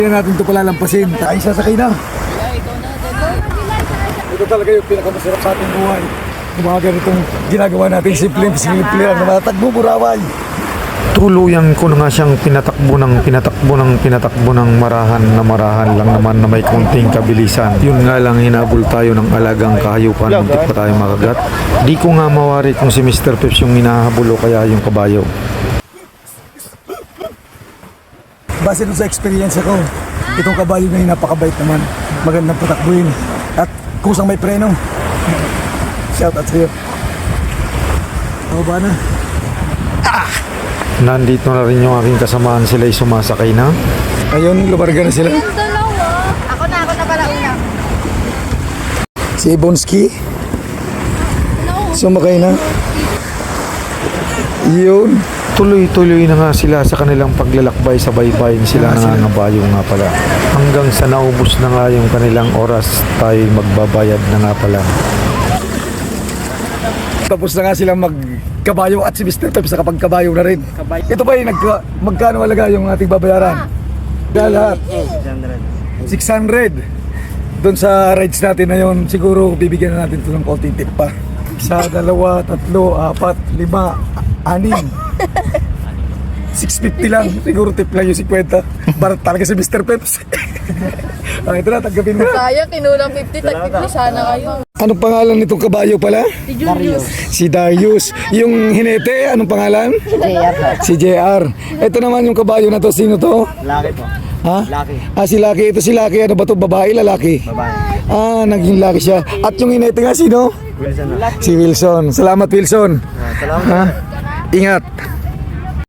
Hindi natin ito palalampasin. Ay, sasakay na. Ito talaga yung pinakamasarap sa ating buhay. Yung mga ganitong ginagawa natin simple lang na matatagbo buraway. Tuluyan ko na nga siyang pinatakbo ng marahan lang naman na may konting kabilisan. Yun nga lang, hinabol tayo ng alagang kahayupan, muntik pa tayo makagat. Di ko nga mawari kung si Mr. Peps yung hinahabol o kaya yung kabayo. Base dun sa experience ko, itong kabayo na yun napakabait naman. Magandang patakbuhin. At kusang may preno. Shout out sa'yo. O ba na? Nandito na rin yung aking kasamaan, sila'y sumasakay na. Ayun, lumarga na sila. Yung dalawa. Ako na pala una. Si Ibonski. Sumakay na. Yun. Tuloy-tuloy na nga sila sa kanilang paglalakbay, sa baybayin sila nangangabayo nga pala. Hanggang sa naubos na nga yung kanilang oras, tayo magbabayad na nga pala. Tapos na nga silang magkabayo at si Mr. Peps nakapagkabayo na rin. Ito ba yung magkano halaga yung ating babayaran? Lahat. 600. Doon sa rides natin na yun, siguro bibigyan na natin ito ng konting tip pa. 1, 2, 3, 4, 5, 6. 650 lang. Siguro tip lang yung 50. Barat talaga si Mr. Peps. Ito na, tanggapin mo. Sayang, kinulang 50. Tag-50 sana kayo. Anong pangalan nitong kabayo pala? Si Julius. Si Darius. Yung hinete, anong pangalan? Si JR. Ito naman yung kabayo na to, sino to? Laki po. Ha? Laki. Ah, si Lucky. Ito si Lucky. Ano ba to? Babae, lalaki? Babae. Ah, naging Lucky siya. At yung hinete nga, sino? Wilson na. Si Wilson. Salamat, Wilson. Salamat. Ha? Ingat.